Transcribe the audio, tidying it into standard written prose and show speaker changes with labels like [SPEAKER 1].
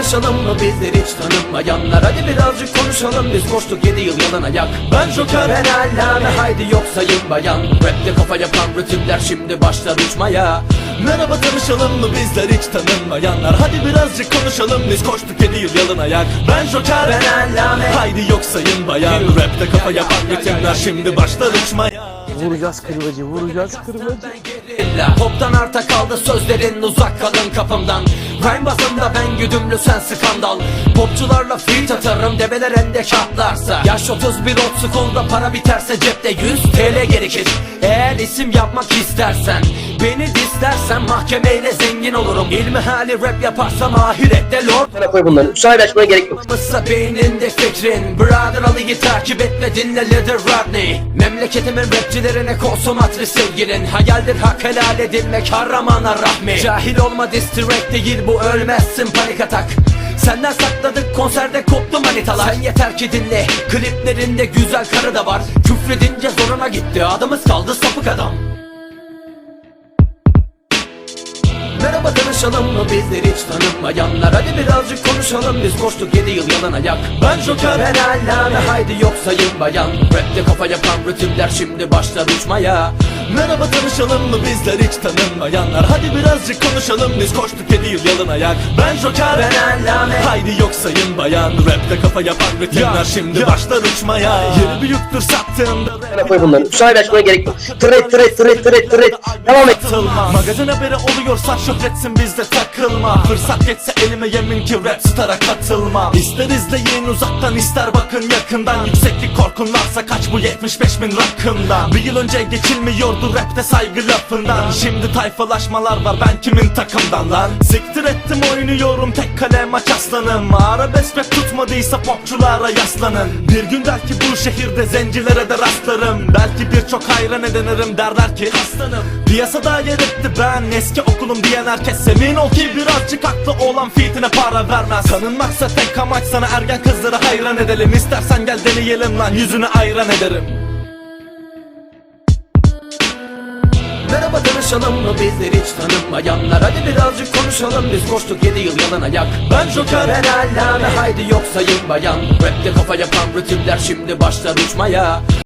[SPEAKER 1] tanışalım mı bizler hiç tanınmayanlar? Hadi birazcık konuşalım, biz koştuk 7 yıl yalan ayak. Ben Joker, ben Allame, haydi yok sayın bayan. Rapte kafa yapan ritimler şimdi başlar uçmaya.
[SPEAKER 2] Merhaba, tanışalım mı bizler hiç tanınmayanlar? Hadi birazcık konuşalım, biz koştuk 7 yıl yalın ayak. Ben Joker,
[SPEAKER 1] ben Allame,
[SPEAKER 2] haydi yok sayın bayan. Rapte kafa yapan ritimler şimdi başlar uçmaya.
[SPEAKER 3] Vuracağız kırmacı, vuracağız kırmacı.
[SPEAKER 1] Pop'tan arta kaldı sözlerin, uzak kalın kafamdan. Rhyme bazında ben güdümlü, sen skandal. Popçularla feat atarım, develer endek atlarsa. Yaş 31 old school'da, para biterse cepte 100 TL gerekir. Eğer isim yapmak istersen, beni dislersen mahkemeyle zengin olurum. İlmi hali rap yaparsam ahirette lord.
[SPEAKER 4] Bana koy bunları. Müsaade açmaya gerek yok.
[SPEAKER 1] Mısa beyninde fikrin, Brother Ali'yi takip et ve dinle Little Rodney. Memleketimin rapçilerine konsomatri sevgilin. Hayaldir hak helal edilmek, kahramana rahmi. Cahil olma, diss track değil bu, ölmezsin panik atak. Senden sakladık, konserde koptu manitalar. Sen yeter ki dinle, kliplerinde güzel karı da var. Küfredince zoruna gitti, adımız kaldı sapık adam. Merhaba, tanışalım mı bizler hiç tanınmayanlar? Hadi birazcık konuşalım, biz koştuk 7 yıl yalan ayak.
[SPEAKER 2] Ben Joker,
[SPEAKER 1] ben Allame, haydi yok sayın bayan. Rapte kafa yapan ritimler şimdi başlar uçmaya.
[SPEAKER 2] merhaba, tanışalım mı bizler hiç tanınmayanlar? Hadi birazcık konuşalım, biz koştuk 7 yıl yalın ayak. Ben Joker,
[SPEAKER 1] ben Allame,
[SPEAKER 2] haydi yok sayın bayan. Rapte kafa yapan ritimler şimdi başlar uçmaya. Yeri büyüktür sattığında.
[SPEAKER 4] Bana koy bunları. Müsaade açmaya gerek yok. Tret. Devam et.
[SPEAKER 2] Magazin haberi oluyorsa şöhretsin, bizde takılma. Fırsat geçse elime yemin ki rap star'a katılmam. İster izleyin uzaktan, ister bakın yakından. Yükseklik korkun varsa kaç bu 75.000 rakımdan. Bir yıl önce geçilmiyordu rapte saygı lafından. Şimdi tayfalaşmalar var, ben kimin takımdan lan? Siktir ettim, oynuyorum tek kale maç aslanım. Arabesk rap tutmadıysa popçulara yaslanın. Bir gün belki bu şehirde zencilere de rastlarım. Belki birçok hayran edinirim, derler ki aslanım. Piyasada yer etti ben eski okulum diyen herkes. Emin ol ki birazcık aklı olan fitine para vermez. Tanınmaksa tek amaç, sana ergen kızları hayran edelim. İstersen gel deneyelim lan, yüzünü ayran ederim.
[SPEAKER 1] Merhaba, tanışalım mı bizler hiç tanınmayanlar? Hadi birazcık konuşalım, biz koştuk 7 yıl yalan ayak.
[SPEAKER 2] Ben Joker,
[SPEAKER 1] ben Allame, haydi yok sayın bayan. Rapte kafa yapan ritimler şimdi başlar uçmaya.